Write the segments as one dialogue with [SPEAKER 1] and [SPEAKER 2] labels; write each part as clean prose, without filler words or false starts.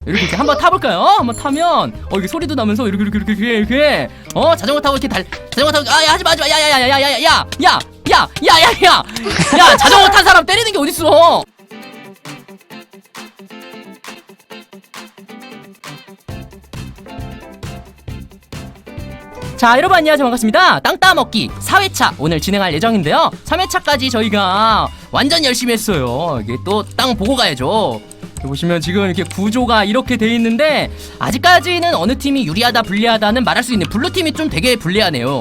[SPEAKER 1] 이렇게 한번 타볼까요? 한번 타면 이게 소리도 나면서 이렇게 자전거 타고 이렇게 자전거 타고 야 하지마 야야야야야야야야야야야야 자전거 탄 사람 때리는 게 어딨어? 자, 여러분 안녕하세요. 반갑습니다. 땅 따먹기 4회차 오늘 진행할 예정인데요. 3회차까지 저희가 완전 열심히 했어요. 이게 또 땅 보고 가야죠. 보시면 지금 이렇게 구조가 이렇게 돼 있는데 아직까지는 어느 팀이 유리하다 불리하다는 말할 수 있네. 블루팀이 좀 되게 불리하네요.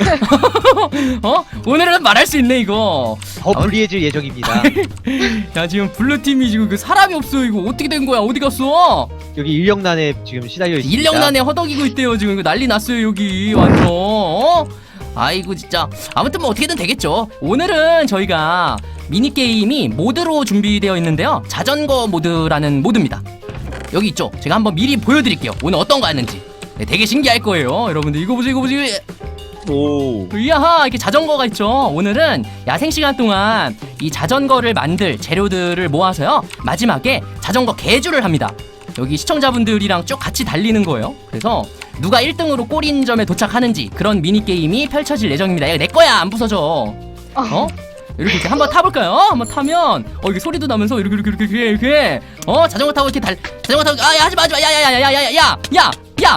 [SPEAKER 1] 오늘은 말할 수 있네 이거.
[SPEAKER 2] 더 불리해질 예정입니다.
[SPEAKER 1] 야, 지금 블루팀이 지금 그 사람이 없어. 이거 어떻게 된 거야? 어디 갔어?
[SPEAKER 2] 여기 인력난에 지금 시달려 있습니다.
[SPEAKER 1] 인력난에 허덕이고 있대요. 지금 이거 난리 났어요 여기 완전. 아이고 진짜. 아무튼 뭐 어떻게든 되겠죠. 오늘은 저희가 미니게임이 모드로 준비되어 있는데요. 자전거 모드라는 모드입니다. 여기 있죠. 제가 한번 미리 보여드릴게요. 오늘 어떤 거 하는지. 네, 되게 신기할 거예요. 여러분들 이거 보세요.
[SPEAKER 2] 오.
[SPEAKER 1] 이야하, 이렇게 자전거가 있죠. 오늘은 야생 시간 동안 이 자전거를 만들 재료들을 모아서요 마지막에 자전거 개주를 합니다. 여기 시청자분들이랑 쭉 같이 달리는 거예요. 그래서 누가 1등으로 골인 점에 도착하는지 그런 미니게임이 펼쳐질 예정입니다. 야, 내 거야 안 부서져. 이렇게 한번 타볼까요? 한번 타면 이게 소리도 나면서 이렇게 자전거 타고 이렇게 자전거 타고 야 하지마 야야야야야야야야야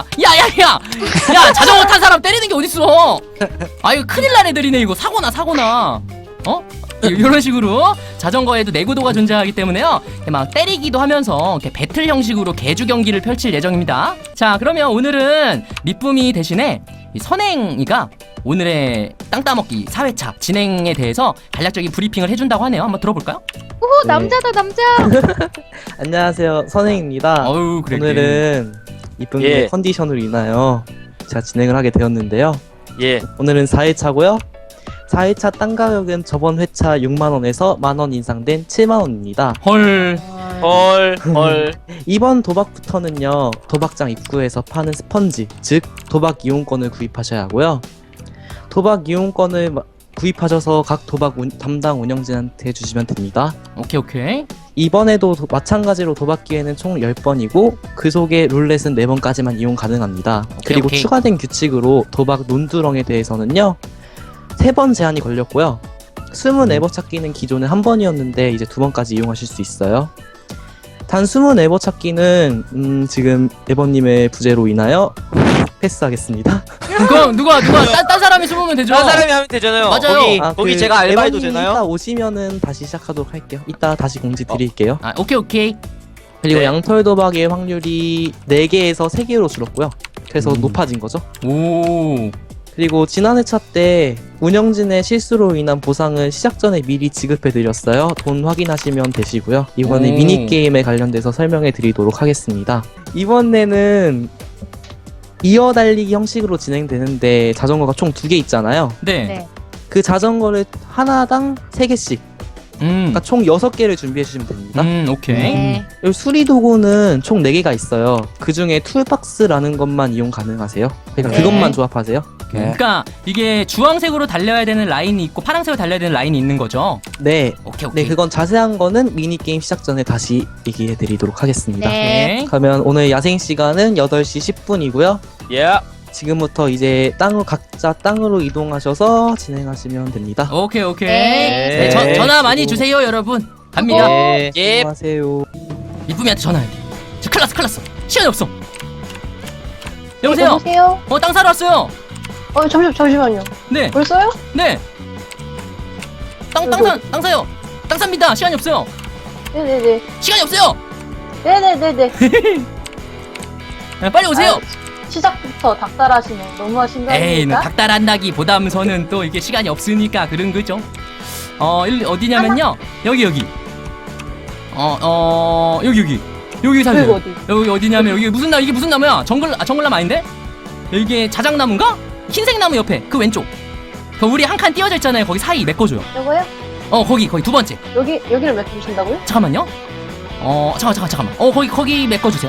[SPEAKER 1] 자전거 탄 사람 때리는 게 어딨어? 아유 큰일 날 애들이네 이거. 사고나 이런 식으로 자전거에도 내구도가 존재하기 때문에요 막 때리기도 하면서 이렇게 배틀 형식으로 개주 경기를 펼칠 예정입니다. 자, 그러면 오늘은 미쁨이 대신에 이 선행이가 오늘의 땅 따먹기 4회차 진행에 대해서 간략적인 브리핑을 해준다고 하네요. 한번 들어볼까요?
[SPEAKER 3] 오호, 남자다 남자.
[SPEAKER 4] 안녕하세요, 선행입니다.
[SPEAKER 1] 그래.
[SPEAKER 4] 오늘은 이쁜의 컨디션으로 인하여 제가 진행을 하게 되었는데요. 오늘은 4회차고요 4회차 땅 가격은 저번 회차 6만원에서 만원 인상된 7만원입니다
[SPEAKER 1] 헐.
[SPEAKER 4] 이번 도박부터는요 도박장 입구에서 파는 스펀지, 즉 도박 이용권을 구입하셔야 하고요. 도박 이용권을 구입하셔서 각 도박 담당 운영진한테 주시면 됩니다.
[SPEAKER 1] 오케이.
[SPEAKER 4] 이번에도 마찬가지로 도박 기회는 총 10번이고 그 속에 룰렛은 4번까지만 이용 가능합니다. 그리고 추가된 규칙으로 도박 논두렁에 대해서는요 3번 제한이 걸렸고요. 20에버 찾기는 기존에 1번이었는데 이제 2번까지 이용하실 수 있어요. 단 20에버 찾기는 지금 에버님의 부재로 인하여 패스하겠습니다.
[SPEAKER 1] 그럼 누가 딴 사람이 숨으면 되죠?
[SPEAKER 5] 딴 사람이 하면 되잖아요.
[SPEAKER 1] 맞아요.
[SPEAKER 5] 거기 제가 알바해도 되나요?
[SPEAKER 4] 이따 오시면은 다시 시작하도록 할게요. 이따 다시 공지 드릴게요.
[SPEAKER 1] 오케이.
[SPEAKER 4] 그리고 양털 도박의 확률이 4개에서 3개로 줄었고요. 그래서 높아진 거죠.
[SPEAKER 1] 오.
[SPEAKER 4] 그리고 지난 회차 때 운영진의 실수로 인한 보상을 시작 전에 미리 지급해드렸어요. 돈 확인하시면 되시고요. 이번에 미니게임에 관련돼서 설명해 드리도록 하겠습니다. 이번에는 이어달리기 형식으로 진행되는데 자전거가 총 2개 있잖아요.
[SPEAKER 1] 네.
[SPEAKER 4] 그 자전거를 하나당 3개씩 그러니까 총 6개를 준비해 주시면 됩니다.
[SPEAKER 1] 오케이.
[SPEAKER 3] 네.
[SPEAKER 4] 그리고 수리 도구는 총 4개가 있어요. 그 중에 툴박스라는 것만 이용 가능하세요. 그러니까 그것만 조합하세요.
[SPEAKER 1] 그러니까 이게 주황색으로 달려야 되는 라인이 있고 파란색으로 달려야 되는 라인이 있는 거죠?
[SPEAKER 4] 네.
[SPEAKER 1] 오케이.
[SPEAKER 4] 네, 그건 자세한 거는 미니게임 시작 전에 다시 얘기해 드리도록 하겠습니다.
[SPEAKER 3] 네.
[SPEAKER 4] 그러면 오늘 야생 시간은 8시 10분이고요. 지금부터 이제 각자 땅으로 이동하셔서 진행하시면 됩니다.
[SPEAKER 1] 오케이.
[SPEAKER 3] 네.
[SPEAKER 1] 네, 전화 많이 주세요, 여러분. 갑니다.
[SPEAKER 4] 네, 안녕하세요.
[SPEAKER 1] 이쁨이한테 전화해. 저 큰일 났어. 시간이 없어. 여보세요?
[SPEAKER 3] 여보세요?
[SPEAKER 1] 땅 사러 왔어요.
[SPEAKER 3] 잠시만요.
[SPEAKER 1] 네.
[SPEAKER 3] 벌써요?
[SPEAKER 1] 네. 땅 사요. 땅 삽니다. 시간이 없어요.
[SPEAKER 3] 네네네.
[SPEAKER 1] 시간이 없어요.
[SPEAKER 3] 네네네네.
[SPEAKER 1] 빨리 오세요.
[SPEAKER 3] 시작부터 닭달하시네. 너무하신 거
[SPEAKER 1] 에이,
[SPEAKER 3] 아닙니까?
[SPEAKER 1] 닭달한다기보다는 또 이게 시간이 없으니까 그런 거죠. 어디냐면요. 여기. 여기 사세요.
[SPEAKER 3] 어디?
[SPEAKER 1] 여기 어디냐면 이게 무슨 나무야? 정글나무 아닌데? 이게 자작나무인가? 흰색 나무 옆에 그 왼쪽. 우리 한 칸 띄어져 있잖아요. 거기 사이 메꿔줘요.
[SPEAKER 3] 요거요?
[SPEAKER 1] 거기 두 번째.
[SPEAKER 3] 여기를 몇 주신다고요?
[SPEAKER 1] 잠깐만요. 잠깐만. 거기 메꿔주세요.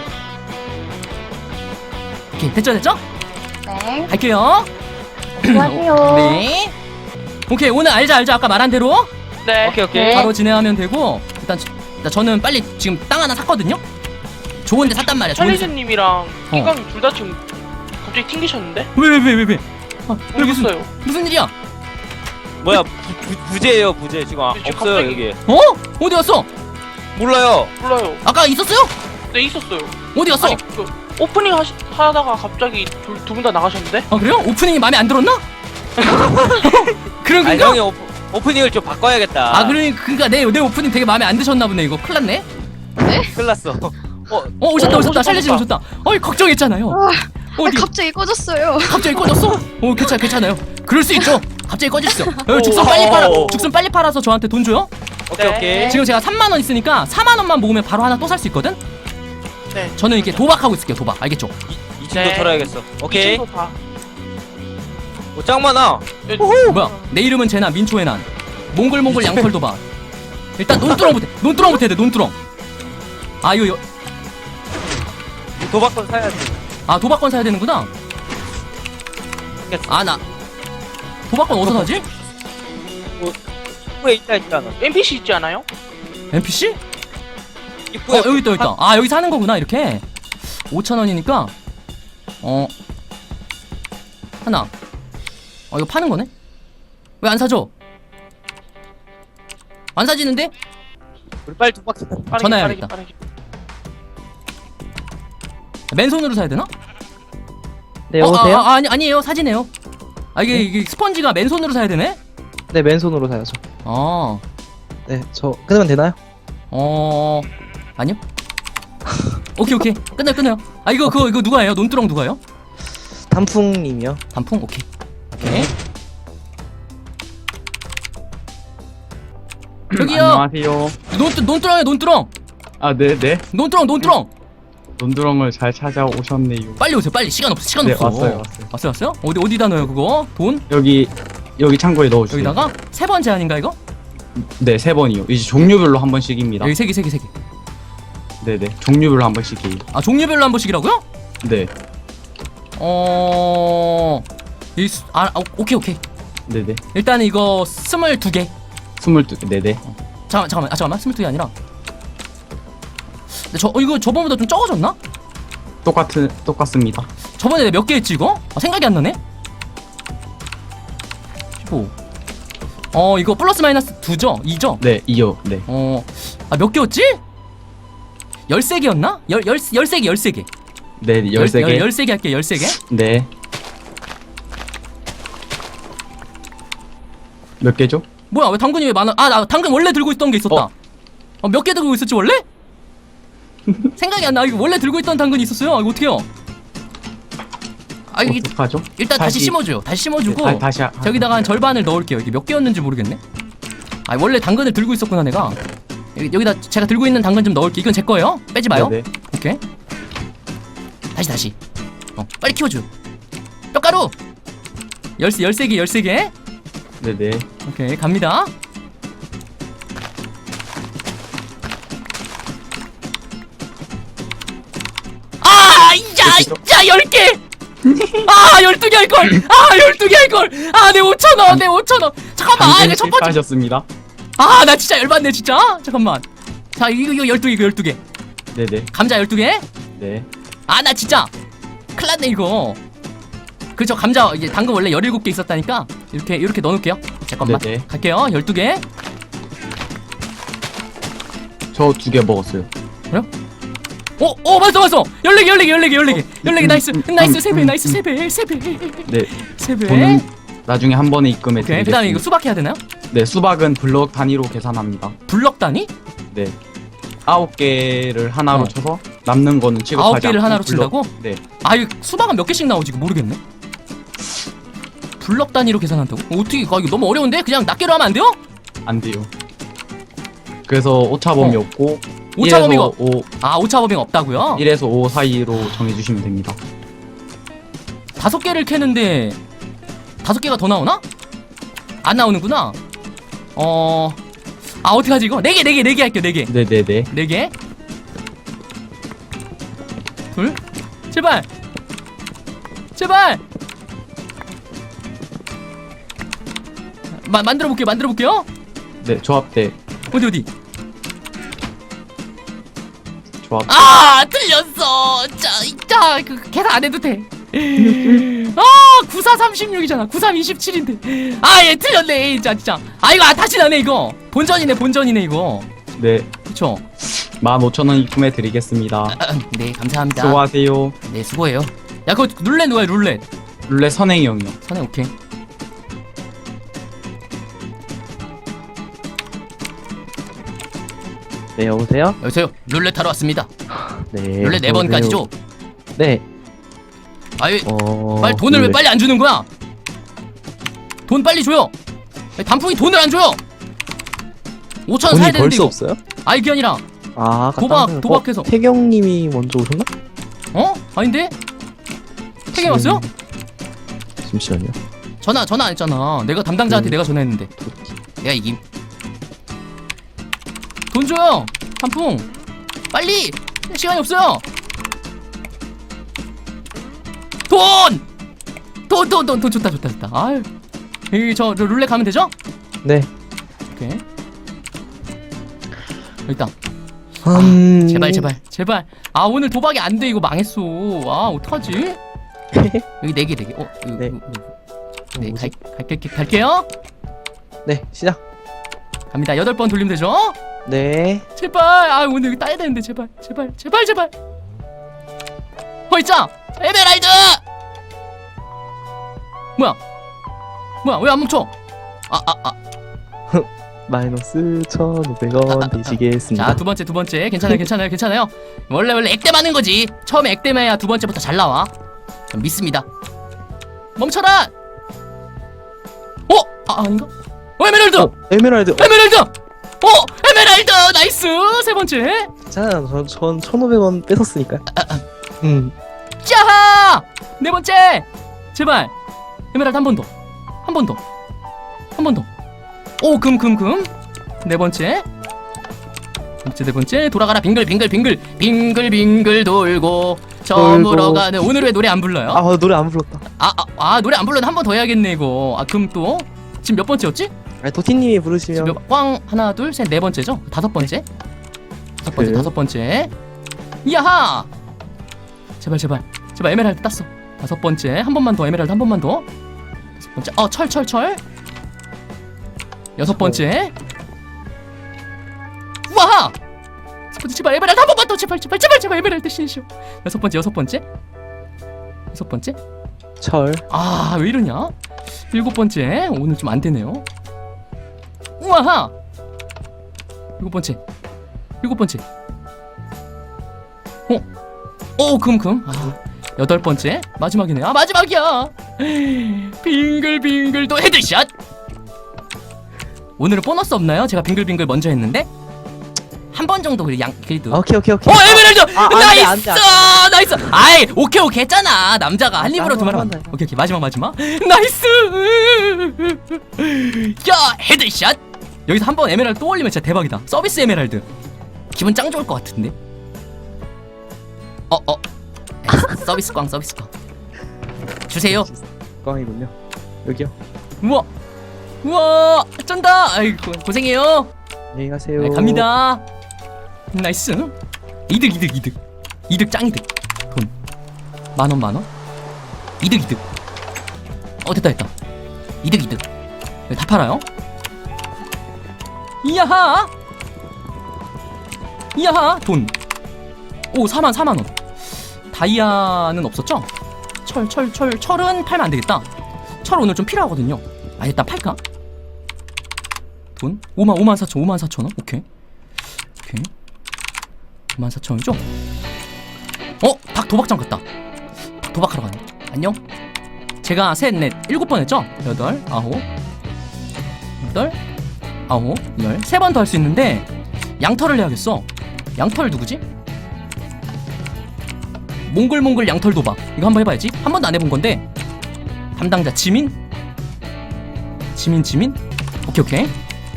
[SPEAKER 1] 오케이, 됐죠?
[SPEAKER 3] 네.
[SPEAKER 1] 갈게요.
[SPEAKER 3] 안녕하세요.
[SPEAKER 1] 네. 오케이, 오늘 알죠? 아까 말한 대로.
[SPEAKER 5] 오케이.
[SPEAKER 3] 네.
[SPEAKER 1] 바로 진행하면 되고 일단 저는 빨리 지금 땅 하나 샀거든요. 좋은데 샀단 말이야. 좋은데.
[SPEAKER 6] 찰리즈님이랑 희광이 둘 다 지금 갑자기 튕기셨는데?
[SPEAKER 1] 왜? 아, 왜 무슨
[SPEAKER 6] 모르겠어요.
[SPEAKER 1] 무슨 일이야?
[SPEAKER 5] 뭐야 부재예요 부재 지금
[SPEAKER 6] 지금
[SPEAKER 5] 없어요
[SPEAKER 6] 갑자기-
[SPEAKER 5] 여기.
[SPEAKER 1] 어? 어디 갔어?
[SPEAKER 5] 몰라요.
[SPEAKER 6] 몰라요.
[SPEAKER 1] 아까 있었어요?
[SPEAKER 6] 네 있었어요.
[SPEAKER 1] 어디 갔어?
[SPEAKER 6] 아니 그 오프닝 하다가 갑자기 두 분 다 나가셨는데?
[SPEAKER 1] 아 그래요? 오프닝이 마음에 안 들었나? 그런
[SPEAKER 5] 아니
[SPEAKER 1] 건가?
[SPEAKER 5] 형이 오프닝을 좀 바꿔야겠다.
[SPEAKER 1] 아 그러니까 내 오프닝 되게 마음에 안 드셨나 보네. 이거 큰일 났네.
[SPEAKER 5] 큰일 났어.
[SPEAKER 1] 오셨다. 찰리님 오셨다. 어이 걱정했잖아요. 어디?
[SPEAKER 7] 갑자기 꺼졌어요.
[SPEAKER 1] 갑자기 꺼졌어? 괜찮아요. 그럴 수 있죠. 갑자기 꺼졌어. 죽순 빨리 팔아서 저한테 돈 줘요.
[SPEAKER 5] 오케이
[SPEAKER 6] 네.
[SPEAKER 5] 오케이.
[SPEAKER 1] 지금 제가 3만 원 있으니까 4만 원만 모으면 바로 하나 또 살 수 있거든.
[SPEAKER 6] 네.
[SPEAKER 1] 저는 이렇게 도박하고 있을게요. 도박. 알겠죠?
[SPEAKER 5] 이 친구
[SPEAKER 6] 네.
[SPEAKER 5] 털어야겠어.
[SPEAKER 6] 이
[SPEAKER 5] 오케이.
[SPEAKER 6] 친구 봐.
[SPEAKER 5] 짱 많아.
[SPEAKER 1] 뭐야? 내 이름은 제나 민초의 난. 몽글몽글 양털 도박. 일단 논두렁부터 해야 돼. 논두렁. 아 이거
[SPEAKER 5] 도박권 사야지.
[SPEAKER 1] 아 도박권 사야 되는구나. 아 나 도박권 어디서 사지?
[SPEAKER 5] 입구에 있잖아.
[SPEAKER 6] NPC 있지 않아요?
[SPEAKER 1] NPC?
[SPEAKER 5] 입구에
[SPEAKER 1] 여기 있다. 아 여기 사는 거구나 이렇게. 5,000원이니까 하나. 이거 파는 거네? 왜 안 사줘? 안 사지는데?
[SPEAKER 5] 우리 빨리 도박 사.
[SPEAKER 6] 빠르게,
[SPEAKER 1] 전화해야겠다.
[SPEAKER 6] 빠르게.
[SPEAKER 1] 맨손으로 사야 되나?
[SPEAKER 4] 네, 여보세요?
[SPEAKER 1] 아니에요. 사지네요. 이게 스펀지가 맨손으로 사야 되네?
[SPEAKER 4] 네, 맨손으로 사야죠.
[SPEAKER 1] 아,
[SPEAKER 4] 네, 저 끊으면 되나요?
[SPEAKER 1] 아니요. 오케이. 끊어요. 이거 누가 해요? 논두렁 누가 해요?
[SPEAKER 4] 단풍님이요.
[SPEAKER 1] 단풍? 오케이. 저기요.
[SPEAKER 8] 안녕하세요.
[SPEAKER 1] 논두렁.
[SPEAKER 8] 아, 네네.
[SPEAKER 1] 논두렁.
[SPEAKER 8] 논두렁을 잘 찾아오셨네요.
[SPEAKER 1] 빨리 오세요. 빨리 시간 없어.
[SPEAKER 8] 네, 왔어요.
[SPEAKER 1] 왔어요? 어디다 넣어요 그거? 돈?
[SPEAKER 8] 여기 창고에 넣어주세요.
[SPEAKER 1] 여기다가 3번 제한인가 이거?
[SPEAKER 8] 네, 3번이요. 이제 종류별로 한 번씩입니다.
[SPEAKER 1] 여기 3개.
[SPEAKER 8] 네네. 종류별로 한 번씩이에요.
[SPEAKER 1] 아 종류별로 한 번씩이라고요?
[SPEAKER 8] 네.
[SPEAKER 1] 오케이.
[SPEAKER 8] 네네.
[SPEAKER 1] 일단 이거 22개.
[SPEAKER 8] 22개. 네네.
[SPEAKER 1] 잠깐만 22개 아니라. 근데 이거 저번보다 좀 적어졌나?
[SPEAKER 8] 똑같습니다.
[SPEAKER 1] 저번에 내가 몇 개 했지 이거? 생각이 안 나네. 15. 이거 플러스 마이너스 2죠? 2죠?
[SPEAKER 8] 네, 2요. 네.
[SPEAKER 1] 몇 개였지? 13개였나? 13개.
[SPEAKER 8] 네, 13개.
[SPEAKER 1] 13개 할게요. 13개.
[SPEAKER 8] 네. 몇 개죠?
[SPEAKER 1] 뭐야 왜 당근이 왜 많아? 나 당근 원래 들고 있던 게 있었다. 몇 개 들고 있었지 원래? 생각이 안 나. 이거 원래 들고 있던 당근이 있었어요. 이거 어떡해요? 이게
[SPEAKER 8] 어떡하죠?
[SPEAKER 1] 일단 다시 심어줘요. 다시 심어주고
[SPEAKER 8] 네, 다시
[SPEAKER 1] 저기다가 한 절반을 넣을게요. 이게 몇 개였는지 모르겠네. 원래 당근을 들고 있었구나 내가. 여기다 제가 들고 있는 당근 좀 넣을게. 이건 제 거예요. 빼지 마요.
[SPEAKER 8] 네네.
[SPEAKER 1] 오케이. 다시. 빨리 키워줘. 뼈가루. 13개.
[SPEAKER 8] 네네.
[SPEAKER 1] 오케이 갑니다. 자 10개. 12개 할걸. 12개 할걸. 내 5,000원. 잠깐만. 이거 첫 번째.
[SPEAKER 8] 하셨습니다.
[SPEAKER 1] 나 진짜 열받네 진짜. 잠깐만. 자 이거 12개.
[SPEAKER 8] 네네.
[SPEAKER 1] 감자 12개.
[SPEAKER 8] 네.
[SPEAKER 1] 나 진짜 큰일 났네 이거. 그죠 감자 이제 당근 원래 17개 있었다니까 이렇게 넣어놓을게요. 잠깐만.
[SPEAKER 8] 네네.
[SPEAKER 1] 갈게요. 12개.
[SPEAKER 8] 저 2개 먹었어요.
[SPEAKER 1] 맞어. 14개. 나이스. 3배. 나이스 3배.
[SPEAKER 8] 네.
[SPEAKER 1] 3배.
[SPEAKER 8] 돈은 나중에 한 번에 입금해
[SPEAKER 1] 오케이.
[SPEAKER 8] 드리겠습니다.
[SPEAKER 1] 그다음에 이거 수박 해야 되나요?
[SPEAKER 8] 네, 수박은 블럭 단위로 계산합니다.
[SPEAKER 1] 블럭 단위?
[SPEAKER 8] 네. 9개를 하나로
[SPEAKER 1] 어.
[SPEAKER 8] 쳐서 남는 거는 취급하지
[SPEAKER 1] 9개를
[SPEAKER 8] 않고
[SPEAKER 1] 하나로
[SPEAKER 8] 블럭-
[SPEAKER 1] 친다고?
[SPEAKER 8] 네.
[SPEAKER 1] 이거 수박은 몇 개씩 나오지? 이거 모르겠네. 블럭 단위로 계산한다고? 어떻게 이거 너무 어려운데? 그냥 낱개로 하면 안 돼요?
[SPEAKER 8] 안 돼요. 그래서 오차범위 없고
[SPEAKER 1] 오차범위가
[SPEAKER 8] 5,
[SPEAKER 1] 오차범위가 없다고요?
[SPEAKER 8] 1에서 5 사이로 정해 주시면 됩니다.
[SPEAKER 1] 5개를 캐는데 5개가 더 나오나? 안 나오는구나. 어떡하지 이거? 4개 할게요. 4개.
[SPEAKER 8] 네, 네, 네.
[SPEAKER 1] 4개. 둘. 제발. 만들어 볼게요.
[SPEAKER 8] 네, 조합대.
[SPEAKER 1] 어디.
[SPEAKER 8] 조합.
[SPEAKER 1] 아 틀렸어. 자 계산 안 해도 돼. 아 9436이잖아. 9327인데. 아 얘 틀렸네. 진짜. 아 이거 다시 나네 이거. 본전이네 이거.
[SPEAKER 8] 네,
[SPEAKER 1] 그쵸?
[SPEAKER 8] 15,000원 입금해 드리겠습니다.
[SPEAKER 1] 네 감사합니다.
[SPEAKER 8] 수고하세요.
[SPEAKER 1] 네 수고해요. 야 그거 룰렛 뭐야 룰렛?
[SPEAKER 8] 룰렛 선행형이요.
[SPEAKER 1] 선행 오케이.
[SPEAKER 4] 네, 여보세요?
[SPEAKER 1] 여보세요. 룰렛 하러 왔습니다.
[SPEAKER 4] 네.
[SPEAKER 1] 룰렛 4번까지죠?
[SPEAKER 4] 네.
[SPEAKER 1] 아이 빨리 돈을 왜
[SPEAKER 4] 룰렛.
[SPEAKER 1] 빨리 안 주는 거야? 돈 빨리 줘요. 단풍이 돈을 안 줘요. 5,000원 사야
[SPEAKER 4] 돈이
[SPEAKER 1] 되는데
[SPEAKER 4] 벌써
[SPEAKER 1] 이거.
[SPEAKER 4] 없어요?
[SPEAKER 1] 아이 그게 아니라
[SPEAKER 4] 아, 아까
[SPEAKER 1] 도박,
[SPEAKER 4] 다른 거-
[SPEAKER 1] 도박해서.
[SPEAKER 4] 태경님이 먼저 오셨나?
[SPEAKER 1] 어? 아닌데? 태경 왔어요?
[SPEAKER 4] 잠시만요.
[SPEAKER 1] 전화 안 했잖아. 내가 담당자한테 내가 전화했는데. 내가 이김. 돈 줘요. 단풍. 빨리. 시간이 없어요. 돈 좋다. 아유. 저 룰렛 가면 되죠?
[SPEAKER 4] 네.
[SPEAKER 1] 오케이. 여기 있다.
[SPEAKER 4] 음...
[SPEAKER 1] 제발. 아 오늘 도박이 안 돼. 이거 망했어. 아 어떡하지? 여기 4개.
[SPEAKER 4] 네.
[SPEAKER 1] 네, 갈게요.
[SPEAKER 4] 네, 시작.
[SPEAKER 1] 갑니다. 8번 돌리면 되죠?
[SPEAKER 4] 네.
[SPEAKER 1] 제발. 아 오늘 이거 따야 되는데 제발. 있자. 에메랄드. 뭐야? 왜 안 멈춰?
[SPEAKER 4] 마이너스 1,500원 되시겠습니다.
[SPEAKER 1] 자, 두 번째. 괜찮아요. 원래 액땜 하는 거지. 처음에 액땜해야 두 번째부터 잘 나와. 전 믿습니다. 멈춰라. 아닌가? 에메랄드.
[SPEAKER 4] 에메랄드.
[SPEAKER 1] 에메랄드. 나이스. 세 번째.
[SPEAKER 4] 자, 전 1,500원 뺏었으니까.
[SPEAKER 1] 짜하. 네 번째. 제발. 에메랄드 한 번 더. 오, 금. 네 번째. 네 번째. 돌아가라. 빙글 돌고 저물어 가는. 오늘 왜 노래 안 불러요?
[SPEAKER 4] 아, 노래 안 불렀다.
[SPEAKER 1] 노래 안 불러도 한 번 더 해야겠네 이거. 금 또. 지금 몇 번째였지?
[SPEAKER 4] 아니, 도티님이 부르시면
[SPEAKER 1] 지금 하나, 둘, 셋, 네 번째죠? 다섯 번째. 다섯 번째. 야하. 제발 에메랄드 땄어. 다섯 번째. 한 번만 더. 에메랄드 한 번만 더. 다섯 번째. 철. 여섯 번째. 우와! 제발 에메랄드 한 번만 더. 제발 에메랄드 신시오. 여섯 번째.
[SPEAKER 4] 철.
[SPEAKER 1] 아, 왜 이러냐? 일곱 번째. 오늘 좀 안 되네요. 우와하! 일곱 번째. 금. 여덟 번째. 마지막이네. 마지막이야. 빙글 또 헤드샷. 오늘은 보너스 없나요? 제가 빙글 먼저 했는데 한 번 정도 그래도.
[SPEAKER 4] 오케이.
[SPEAKER 1] 에메랄드.
[SPEAKER 4] 안 돼.
[SPEAKER 1] 나이스. 아이, 오케이 했잖아. 남자가 한 입으로 두 마리.
[SPEAKER 4] 한 번.
[SPEAKER 1] 오케이. 마지막. 나이스. 야, 헤드샷. 여기서 한 번 에메랄드 또 올리면 진짜 대박이다. 서비스 에메랄드. 기분 짱 좋을 것 같은데. 서비스 꽝. 주세요.
[SPEAKER 4] 꽝이군요. 여기요.
[SPEAKER 1] 우와, 쩐다. 아이고, 고생해요.
[SPEAKER 4] 안녕히 가세요.
[SPEAKER 1] 네, 갑니다. 나이스. 이득 짱이득. 돈 만원. 이득. 됐다. 이득. 여기 다 팔아요. 이야하. 돈. 오, 4만. 다이아는 없었죠? 철은 팔면 안 되겠다. 철 오늘 좀 필요하거든요. 일단 팔까? 돈? 54,000원? 오케이. 54,000원이죠? 닭 도박장 갔다. 닭 도박하러 가네. 안녕. 제가 셋, 넷, 7번 했죠? 8, 9, 10. 3번 더 할 수 있는데 양털을 해야겠어. 양털 누구지? 몽골 양털 도박. 이거 한번 해봐야지. 한 번도 안 해본 건데. 담당자 지민. 오케이.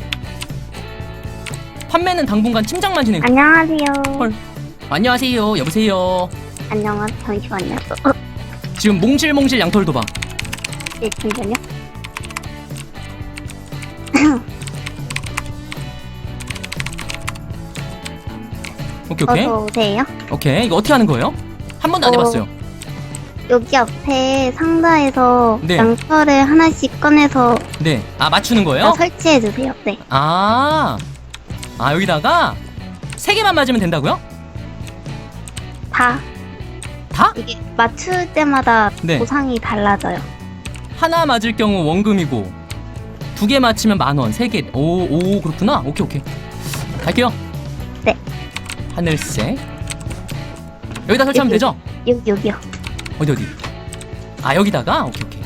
[SPEAKER 1] 판매는 당분간 팀장만 진행.
[SPEAKER 3] 안녕하세요.
[SPEAKER 1] 안녕하세요. 여보세요.
[SPEAKER 3] 안녕하세요. 잠시만요.
[SPEAKER 1] 지금 몽실 양털 도박.
[SPEAKER 3] 예, 잠시만요.
[SPEAKER 1] 오케이 오케이.
[SPEAKER 3] 어서 오세요.
[SPEAKER 1] 오케이. 이거 어떻게 하는 거예요? 한 번도 안 해봤어요.
[SPEAKER 3] 여기 앞에 상자에서
[SPEAKER 1] 네.
[SPEAKER 3] 양털을 하나씩 꺼내서
[SPEAKER 1] 네. 아 맞추는 거예요?
[SPEAKER 3] 설치해 주세요. 네.
[SPEAKER 1] 아 여기다가 3개만 맞으면 된다고요?
[SPEAKER 3] 다
[SPEAKER 1] 다?
[SPEAKER 3] 이게 맞출 때마다
[SPEAKER 1] 네.
[SPEAKER 3] 보상이 달라져요.
[SPEAKER 1] 하나 맞을 경우 원금이고 2개 맞히면 10,000원. 3개. 오 그렇구나. 오케이 오케이. 갈게요.
[SPEAKER 3] 네.
[SPEAKER 1] 하늘색. 여기다 설치하면
[SPEAKER 3] 여기.
[SPEAKER 1] 되죠?
[SPEAKER 3] 여기요.
[SPEAKER 1] 어디? 아 여기다가? 오케이 오케이.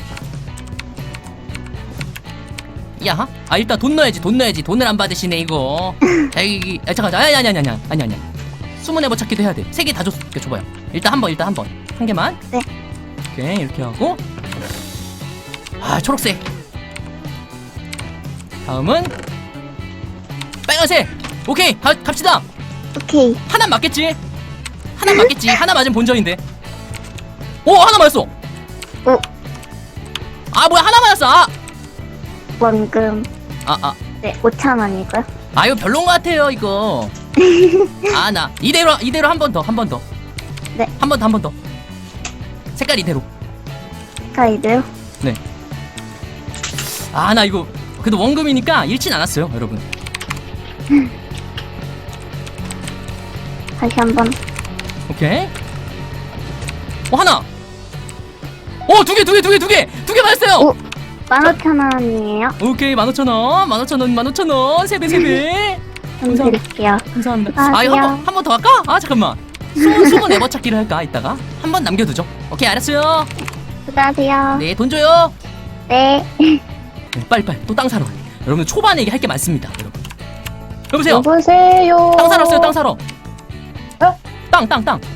[SPEAKER 1] 야, 아 일단 돈 넣어야지. 돈을 안 받으시네 이거. 자 여기 잠깐. 아니. 숨은 애버 찾기도 해야 돼. 3개 다 줘봐요. 일단 한 번. 한 개만.
[SPEAKER 3] 네.
[SPEAKER 1] 오케이 이렇게 하고. 아 초록색. 다음은 빨간색. 오케이 갑시다.
[SPEAKER 3] 오케이.
[SPEAKER 1] 하나 맞겠지? 하나 맞으면 본전인데. 오 하나 맞았어. 아 뭐야 하나 맞았어.
[SPEAKER 3] 원금. 네, 5,000원이고요.
[SPEAKER 1] 아 이거 별론 것 같아요 이거. 아 나 이대로 한 번 더.
[SPEAKER 3] 네.
[SPEAKER 1] 한 번 더. 색깔 이대로.
[SPEAKER 3] 가이드요.
[SPEAKER 1] 아 나 이거 그래도 원금이니까 잃진 않았어요 여러분.
[SPEAKER 3] 다시 한번.
[SPEAKER 1] 오케이. 하나. 두 개 맞았어요.
[SPEAKER 3] 15,000원이에요.
[SPEAKER 1] 오케이 15,000원 3배
[SPEAKER 3] 좀
[SPEAKER 1] 감사합니다.
[SPEAKER 3] 드릴게요.
[SPEAKER 1] 감사합니다.
[SPEAKER 3] 안녕하세요.
[SPEAKER 1] 이거 한 번 더 할까? 아 잠깐만. 숨은 에버 찾기를 할까 이따가 한 번 남겨두죠. 오케이 알았어요.
[SPEAKER 3] 수고하세요.
[SPEAKER 1] 네 돈 줘요.
[SPEAKER 3] 네.
[SPEAKER 1] 네, 빨리 또 땅 사러. 여러분 초반에 이게 할 게 많습니다. 여보세요.
[SPEAKER 6] 여보세요.
[SPEAKER 1] 땅 사러 왔어요. 땅 사러. 땅.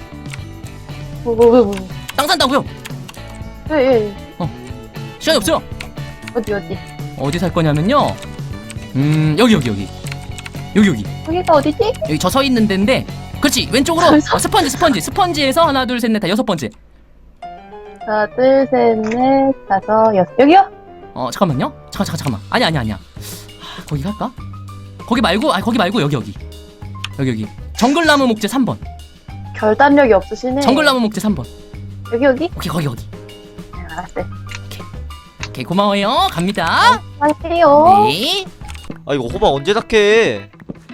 [SPEAKER 6] 뭐.
[SPEAKER 1] 땅 산다고요?
[SPEAKER 6] 예.
[SPEAKER 1] 시간이 없어요.
[SPEAKER 6] 어디.
[SPEAKER 1] 어디 살 거냐면요. 여기.
[SPEAKER 6] 여기가 어디지?
[SPEAKER 1] 여기 저 서 있는 데인데. 그렇지 왼쪽으로. 스펀지에서 하나 둘 셋 넷 다 6번째.
[SPEAKER 6] 하나, 둘, 셋, 넷, 다섯, 여섯. 여기요?
[SPEAKER 1] 잠깐만요. 잠깐만. 아니야. 거기 갈까? 거기 말고 여기. 정글나무 목재 3번.
[SPEAKER 6] 결단력이 없으시네.
[SPEAKER 1] 정글나무 목재 3번.
[SPEAKER 6] 여기?
[SPEAKER 1] 오케이 거기.
[SPEAKER 6] 네, 알았어요.
[SPEAKER 1] 오케이 고마워요. 갑니다.
[SPEAKER 6] 안녕하세요.
[SPEAKER 1] 네.
[SPEAKER 5] 아 이거 호박 언제 닦해?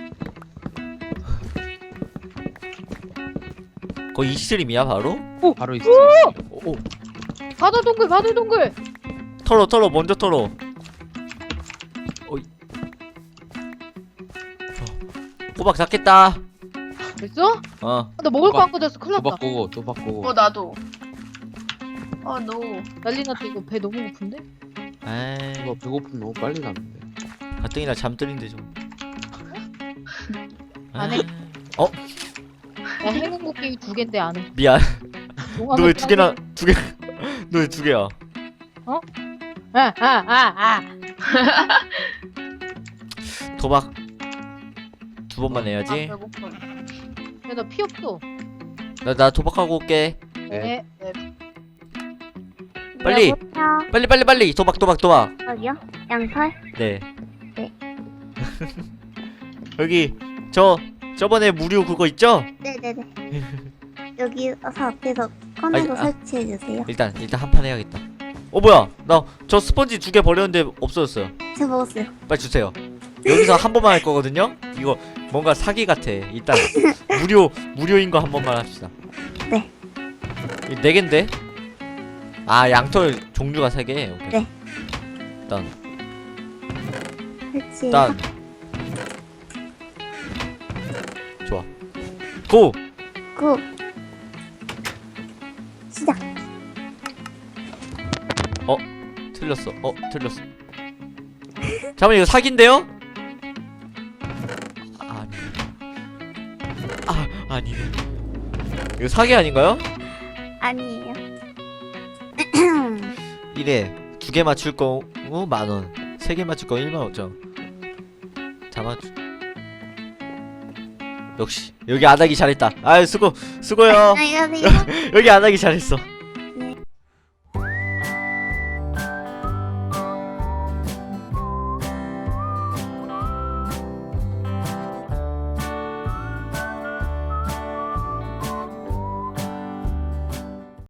[SPEAKER 5] 거의 이 스트림이야 바로?
[SPEAKER 2] 바로 있어.
[SPEAKER 7] 바다 동굴.
[SPEAKER 5] 털어 먼저 털어. 호박 닦겠다.
[SPEAKER 7] 됐어?
[SPEAKER 5] 어.
[SPEAKER 7] 나 먹을 거 안 꽂았어. 큰일 났다.
[SPEAKER 8] 또 바꾸고.
[SPEAKER 6] 나도. 너.
[SPEAKER 7] 난리 났다. 이거 배 너무 고픈데?
[SPEAKER 5] 에이.
[SPEAKER 8] 배고픔 너무 빨리 가는데.
[SPEAKER 5] 가뜩이나 잠들인데 좀.
[SPEAKER 7] 안 해. 나 행운곡괭이 2개인데 안 해.
[SPEAKER 5] 미안.
[SPEAKER 7] 용암을
[SPEAKER 5] 너 왜 2개나 2개? 너 왜 2개야? 도박 2번만 해야지.
[SPEAKER 7] 배고파. 야, 나 피 없어.
[SPEAKER 5] 나 도박하고 올게.
[SPEAKER 7] 네.
[SPEAKER 5] 빨리.
[SPEAKER 3] 여보세요.
[SPEAKER 5] 빨리. 도박.
[SPEAKER 3] 여기요? 양털?
[SPEAKER 5] 네.
[SPEAKER 3] 네.
[SPEAKER 5] 여기 저번에 무료 그거 있죠?
[SPEAKER 3] 네네네. 여기 와서 앞에서 꺼내서
[SPEAKER 5] 아니,
[SPEAKER 3] 설치해 주세요.
[SPEAKER 5] 일단 한 판 해야겠다. 뭐야? 나 저 스펀지 2개 버렸는데 없어졌어요.
[SPEAKER 3] 제가 먹었어요.
[SPEAKER 5] 빨리 주세요. 여기서 한 번만 할 거거든요. 이거 뭔가 사기 같아. 일단 무료인 거 한 번만 합시다.
[SPEAKER 3] 네.
[SPEAKER 5] 이 4개인데? 아 양털 종류가 3개. 오케이.
[SPEAKER 3] 네.
[SPEAKER 5] 일단
[SPEAKER 3] 설치.
[SPEAKER 5] 좋아. 고.
[SPEAKER 3] 고. 시작.
[SPEAKER 5] 틀렸어. 잠깐만 이거 사기인데요? 아니네. 이거 사기 아닌가요?
[SPEAKER 3] 아니에요.
[SPEAKER 5] 이래 2개 맞출 경우 10,000원, 3개 맞출 경우 15,000원. 역시 여기 안 하기 잘했다. 아유 수고요.
[SPEAKER 3] 안녕히 가세요.
[SPEAKER 5] 여기 안 하기 잘했어.